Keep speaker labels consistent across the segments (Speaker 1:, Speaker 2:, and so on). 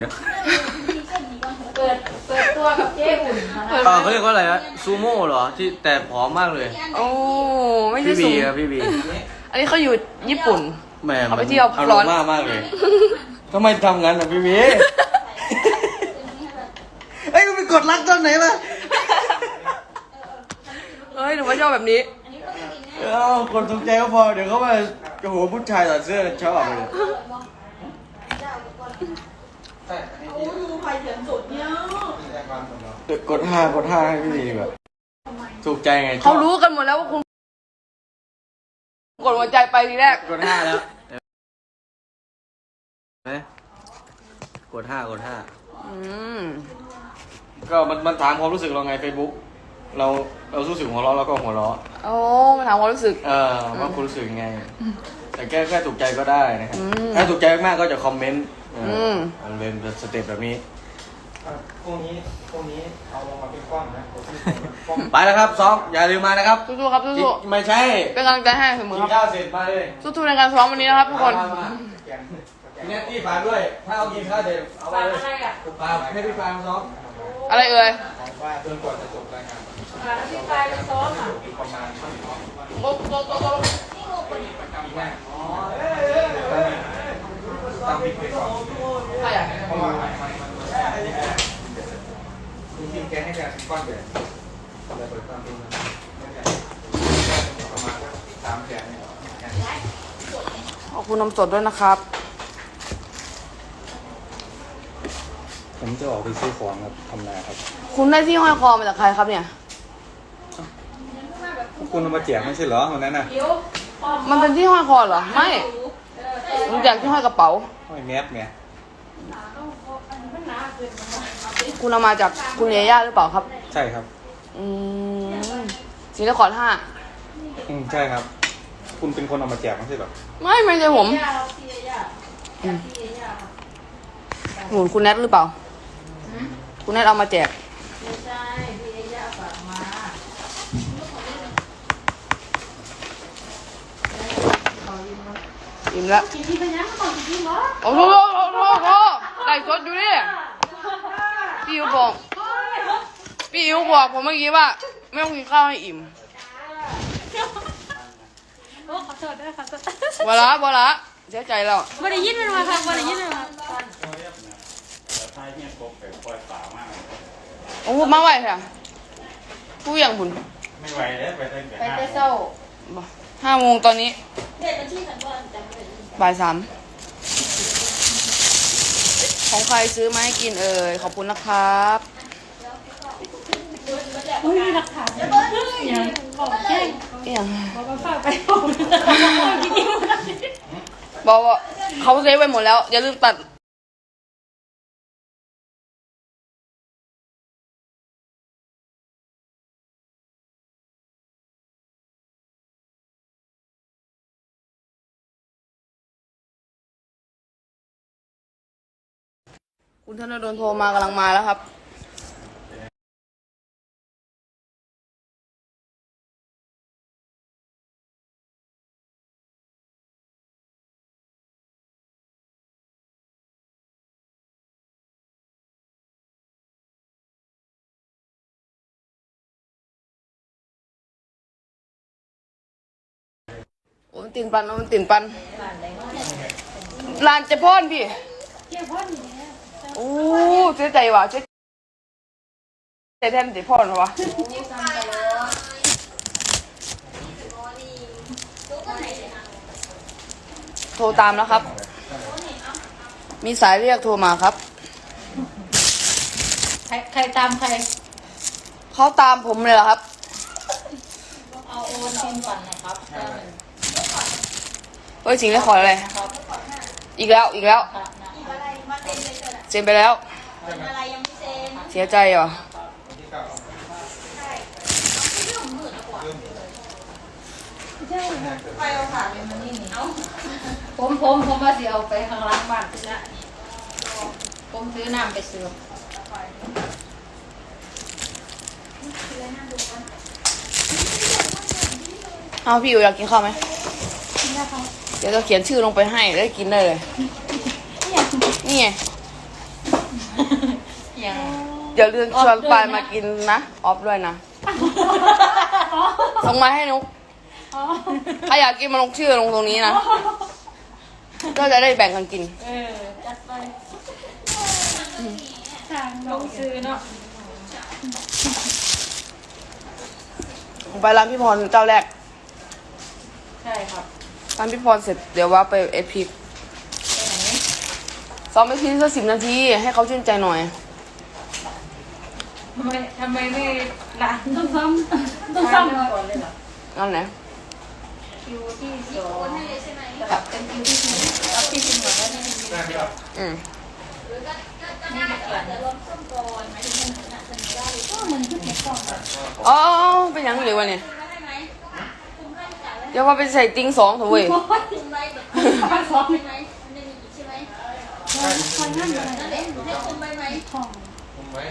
Speaker 1: เปิดตัวกับเจ๊อุ่น
Speaker 2: เขาเรียกว่าอะไรนะซูโม่เหรอที่แต่ผอมมากเลย
Speaker 3: โอ้ไม่ใช่
Speaker 2: พี่
Speaker 3: สู
Speaker 2: บี
Speaker 3: ง
Speaker 2: ครับพี่บี
Speaker 3: อันนี้เขาอยู่ญี่ปุ่น
Speaker 2: แหม
Speaker 3: เขาไปเที่ยว
Speaker 2: อาร
Speaker 3: ร้อ
Speaker 2: ม
Speaker 3: น
Speaker 2: ณ์มากเลยทำไมทำงั้นอ่ะพี่บีเอ้ยไปกดรักตอนไหนล่ะ
Speaker 3: เฮ้ยหนูว่าชอบแบบนี้
Speaker 2: กดถูกใจก็พอเดี๋ยวเขามาโอ้โหผู้ชายถอดเสื้อชอบเลยกดห้าให้พี่บีแบบถูกใจไงชอบ
Speaker 3: เขารู้กันหมดแล้วว่าคุณกดหัวใจไปทีแรก
Speaker 2: กด5แล้วไหมกด5
Speaker 3: อืม
Speaker 2: ก็มันถามความรู้สึกเราไง Facebook เรารู้สึกหัวเราะเราก็หัวเราะ
Speaker 3: โอ้มาถามความรู้สึก
Speaker 2: ว่าคุณรู้สึกยังไง แต่แค่ถูกใจก็ได้นะครับ
Speaker 3: ม
Speaker 2: ถ้าถูกใจมากก็จะคอมเมนต์
Speaker 3: ม
Speaker 2: มันเป็นสเต็ปแบบนี้
Speaker 4: พวกนี้เอาลงมาเป็นกล้องนะกล้อง
Speaker 2: ไปแล้วครับซ้อมอย่าลืมมานะครับ
Speaker 3: สู้ๆครับสู้
Speaker 2: ไม่ใช่
Speaker 3: ๆเป็นกำลังใจให้เสมอ
Speaker 2: กิ
Speaker 3: คน รับ
Speaker 2: ข้าวเสร็จมาเลย
Speaker 3: สู้ๆในการซ้อมวันนี้นะครับทุกคน
Speaker 2: มาพี่เนตตี้ฝากด้วย ถ้าเอากินข้าวเสร็จเอาไปเลยฝากให้พี่ฟางซ้อม
Speaker 3: อะไรเอ่ย
Speaker 4: ว่าจนกว่าจะจบรายการ
Speaker 1: พี่ปลายไปซ้อมอ่ะ
Speaker 4: ประมาณ
Speaker 3: โต๊ะ
Speaker 4: ปีหน้าตามบิ๊กไปก่อน
Speaker 3: ใครอ่ะ
Speaker 4: เพราะว่าจริงๆแกให้แกก้อนเดียวแต่เปิดตามบิ๊กประมาณ3 แสนเนี่ย
Speaker 3: ขอบคุณนมสดด้วยนะครับ
Speaker 4: ผมจะออกไปซื้อของครับทำนาครับ
Speaker 3: คุณได้ที่ห้อยคอมาจากใครครับเนี่ย
Speaker 4: คุณเอามาแจกไม่ใช่เหรอวันนั้นน่ะ
Speaker 3: มันเป็นที่ห้อยคอเหรอ ไม่มันจากที่ห้อยกระเป๋า
Speaker 4: ไม่แมสไง
Speaker 3: คุณเอามาจากคุณเอย่าหรือเปล่าครับ
Speaker 4: ใช่ครับ
Speaker 3: อืมสีนคร5
Speaker 4: ใช่ครับ คุณเป็นคนเอามาแจกไม่ใช่เหรอ
Speaker 3: ไม่ใช่ผมหนุนคุณแนทหรือเปล่า คุณแนทเอามาแจก
Speaker 1: ไม่ใช่พี่เอย่าฝากมา
Speaker 3: อิ่มแล้ว
Speaker 1: กินที่พยัญชนะก่อนกินเหรอ
Speaker 3: โอ้โหไก่สดอยู่นี่พี่อิ๋วบอกผมเมื่อกี้ว่า ไม่ต้องกินข้าวให้อิ่ม
Speaker 1: โอ้ขอโทษด้วยค่ะ
Speaker 3: บละเสียใจแล้ว
Speaker 1: วันได้ยินมันมาค่ะวันได้ยินมันมา
Speaker 3: โอ้มาไหวค่ะผู้อย่างคุณ
Speaker 4: ไม่ไหวแล้วไปตั้งแต่
Speaker 1: ไปแต่เศร้า
Speaker 3: 5 โมงตอนนี้
Speaker 1: เด็กเป็นที่สังวรจำไม่ได้
Speaker 3: บ่าย 3ของใครซื้อมาให้กินเอ่ยขอบคุณนะครับ
Speaker 1: อุ้ยหลักฐานอย่างบอกแจ้ง
Speaker 3: เอี่ยง
Speaker 1: บอกว่าฝากไปบอกกินอิ่ม
Speaker 3: บอกว่าเขาเซฟไว้หมดแล้ว อย่าลืมตัดคุณธนดลโทรมากำลังมาแล้วครับโอ้มันติ่นปันลานจะพ่นพี่โอ้เสียใจว่ะเสียใจแทนติพ่นวะโทรตามแล้วครับ มีสายเรียกโทรมาครับ
Speaker 1: ใครตามใคร
Speaker 3: เขาตามผมเลยเหรอครับ
Speaker 1: เอาโอนทีมปั่นนะครับ
Speaker 3: เฮ้ยจริงได้ขออะไรอีกแล้วเซ็นไปแล้ว
Speaker 1: อะไรยังไม่เซ็น
Speaker 3: เสียใจเหรอ
Speaker 1: ไปเอาผ่านเลยมันนี่เอาผมว่าสิเอาไปข้างล่างบ้านนะผมซื้อน้ำไปซื้อ
Speaker 3: เอาพี่อยู่อยากกินข้าวไหมเดี๋ยวจะเขียนชื่อลงไปให้ได้กินได้เลย นี่ไง
Speaker 1: ยัง
Speaker 3: อย่าลืมชวนปายมากินนะออฟด้วยนะส่งมาให้นุกถ้าอยากกินมาลงชื่อลงตรงนี้นะก็จะได้แบ่งกันกิน
Speaker 1: จัดไปลงซื้อเนาะ
Speaker 3: ไปร้านพี่พรเจ้าแรก
Speaker 1: ใช่ครับ
Speaker 3: ร้านพี่พรเสร็จเดี๋ยวว่าไปเอพีซ้อมเอพีสัก10 นาทีให้เขาชื่นใจหน่อย
Speaker 1: ทำไมไม่ร้านต้องซ้ำก่อนเลยเหรอ
Speaker 3: นั่นแหละ
Speaker 1: คิวที่สองกับเป็นคิวที่สี่รับที่สี่ก่อนแล้วนี่
Speaker 4: ได้ไหมครับ
Speaker 3: อืม
Speaker 1: นี่เกี่ยวกับ
Speaker 3: อ๋อเป็นยังหรือวะเนี่ยเดี๋ยวว่าไปใส่ติง2เถอะเว้ย
Speaker 4: ผมไว้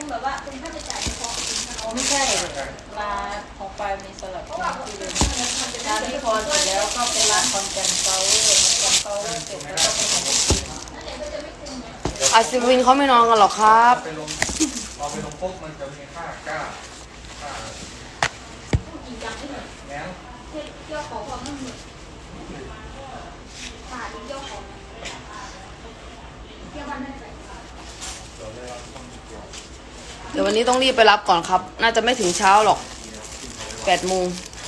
Speaker 1: ไม่ใช่ร้านของปลายมีสลับที่เดิมร้านที่พอเสร็จแล้วก็เป็นร้านคอนแกนเฟลเสร็จแล้วก็เป็นของพี่กิน
Speaker 3: อาซิวินเขาไม่นอนกันหรอกครับ
Speaker 4: ไปลงพอไปลงปุ๊บมันจะมีค่าก้าค่าแล้ว
Speaker 3: เดี๋ยววันนี้ต้องรีบไปรับก่อนครับ น่าจะไม่ถึงเช้าหรอก8 โมง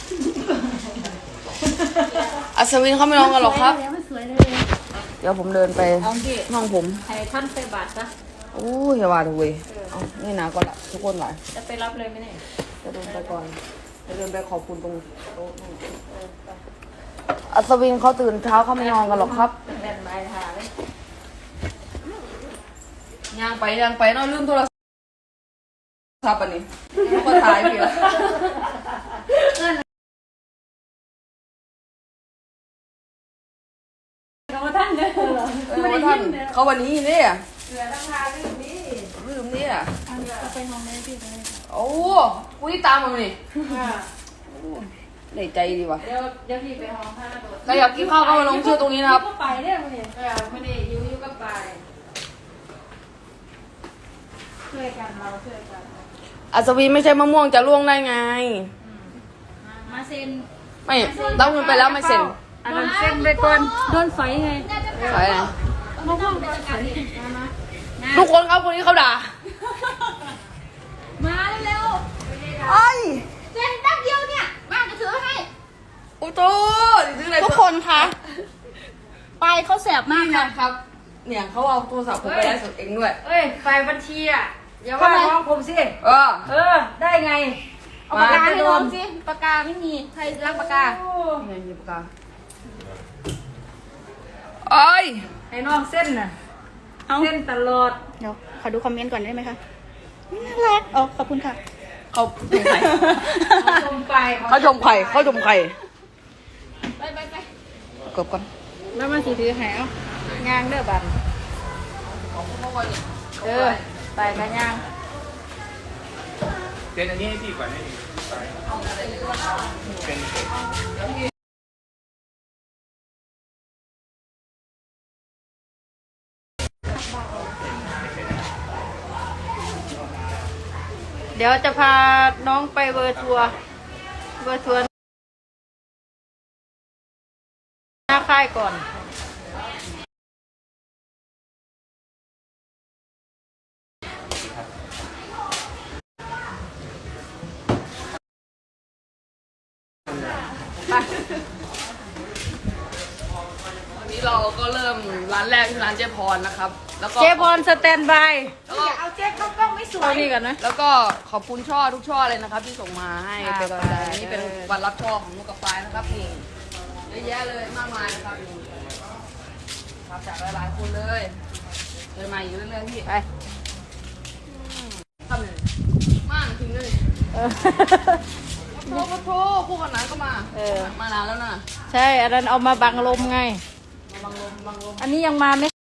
Speaker 3: อัศวินเขาไม่นอนกันหรอกครับ เดี๋ยวผมเดินไป
Speaker 1: เอาที่
Speaker 3: ห้องผม
Speaker 1: ให้ท่านไปบาทซะ
Speaker 3: โอ้ยอย่าว่าเลยเว้ยเอานี่นะก่อนละทุกคนหลาย
Speaker 1: จะไปรับเลยไหมเนี่ย
Speaker 3: จะเดินไปก่อนจะเดินไปขอบคุณตรงโต๊ะนั่นอัศวินเขาตื่นเช้าเขาไม่นอนกันหรอกครับ
Speaker 1: แบนไม้ทาเลย
Speaker 3: ย่างไปเนาะลืมโทรศัพท์อันนี้ก็ถ่ายพี่ละ
Speaker 1: เขาท่านเนี่ย
Speaker 3: ท่านเขาวันนี้เนี่ย
Speaker 1: เสือตั้งทาลืมนี่
Speaker 3: ลืมเนี่ย
Speaker 1: จะไปห้องไหนพี่เลย
Speaker 3: โอ้กูนี่ตามมานี่ได้ใจดีว่ะ
Speaker 1: เดี๋ยวพี่ไปห้องผ้าโดด
Speaker 3: ใครอยากกินข้าวก็มาลงชื่อตรงนี้นะครับ
Speaker 1: ก็ไปเนี่ยมันเนี่ยไม่ได้อยู่ก็ไปช่วยกันเราช่วยกัน
Speaker 3: อัศวินไม่ใช่มะม่วงจะล่วงได้ไง
Speaker 1: มาเซ็น
Speaker 3: ไม่ต้องเงินไปแล้วไม่เซ็น
Speaker 1: อันนั้นเซ็นไปก่อนโดนไฟไง
Speaker 3: ใช่ไหม
Speaker 1: มะม่วงเป็นไฟมา
Speaker 3: ทุกคนครับคนนี้เขาด่า
Speaker 1: มาเร็ว
Speaker 3: ไอ้
Speaker 1: ๆเซ็นแป๊บเดียวเนี่ยมาจะถือให้
Speaker 3: โอ้โหซื้ออะไร
Speaker 1: ทุกคนคะไปเขาแสบมาก
Speaker 3: นี่
Speaker 1: ค่ะ
Speaker 3: นะครับ เนี่ยเขาเอาโทรศัพท์ผมไปไลฟ์สดเองด้วย
Speaker 1: เอ้ยไฟบัญชีอ่ะอย่าว่าน้องผมสิ
Speaker 3: เออ
Speaker 1: ได้ไงเอาปากกาให้น้องสิปากกาไม่มีใครรักปากกา
Speaker 3: ไงหยิบปากกาไอ้ย
Speaker 1: ให้น้องเส้นน่ะเส้นตลอด
Speaker 5: เดี๋ยวขอดูคอมเมนต์ก่อนได้ไหมคะน่ารักอ๋อขอบคุณค่ะ
Speaker 3: เขาชมไข่
Speaker 1: ชมไป
Speaker 3: เขาชมไข่เขาชมไข่
Speaker 1: ไป
Speaker 3: เกือบก่อน
Speaker 1: แล้วมันสีถือแหวงางเด้อบันไปกันยาง
Speaker 4: เซ็นอันนี้ให้พี่ก่อนให้เป็น
Speaker 1: เดี๋ยวจะพาน้องไปเวอร์ทัวร์หน้าค่ายก่อนไป
Speaker 3: วันนี้เราก็เริ่มร้านแรกที่ร้านเจ๊พรนะครับ แล้วก็
Speaker 1: เจ๊พรสแตนบาย
Speaker 3: แล้วก็
Speaker 5: เอาเจ๊กล้องไม่สว
Speaker 1: เอา
Speaker 5: ย
Speaker 1: นี่ก่อนนะ
Speaker 3: แล้วก็ขอบคุณช่อทุกช่อเลยนะครับ ที่ส่งมาให้
Speaker 1: อ่า
Speaker 3: เป็นกำลังใจ
Speaker 1: ไป
Speaker 3: นี่เป็นวันรับช่อของลูกกระปายนะครับนี่เยอะแยะเลยมากมายนะครับนี่ครับจากหลายๆคนเลยเลยมาอยู่เรื่อยๆพี่
Speaker 1: ไป
Speaker 3: ทำเลยมากจริงเลยโทรคู่กันไหนก็มา มานานแล้วนะ
Speaker 1: ใช่อันนั้นเอามาบังลมไง
Speaker 3: มาบังลม
Speaker 1: อันนี้ยังมาไม่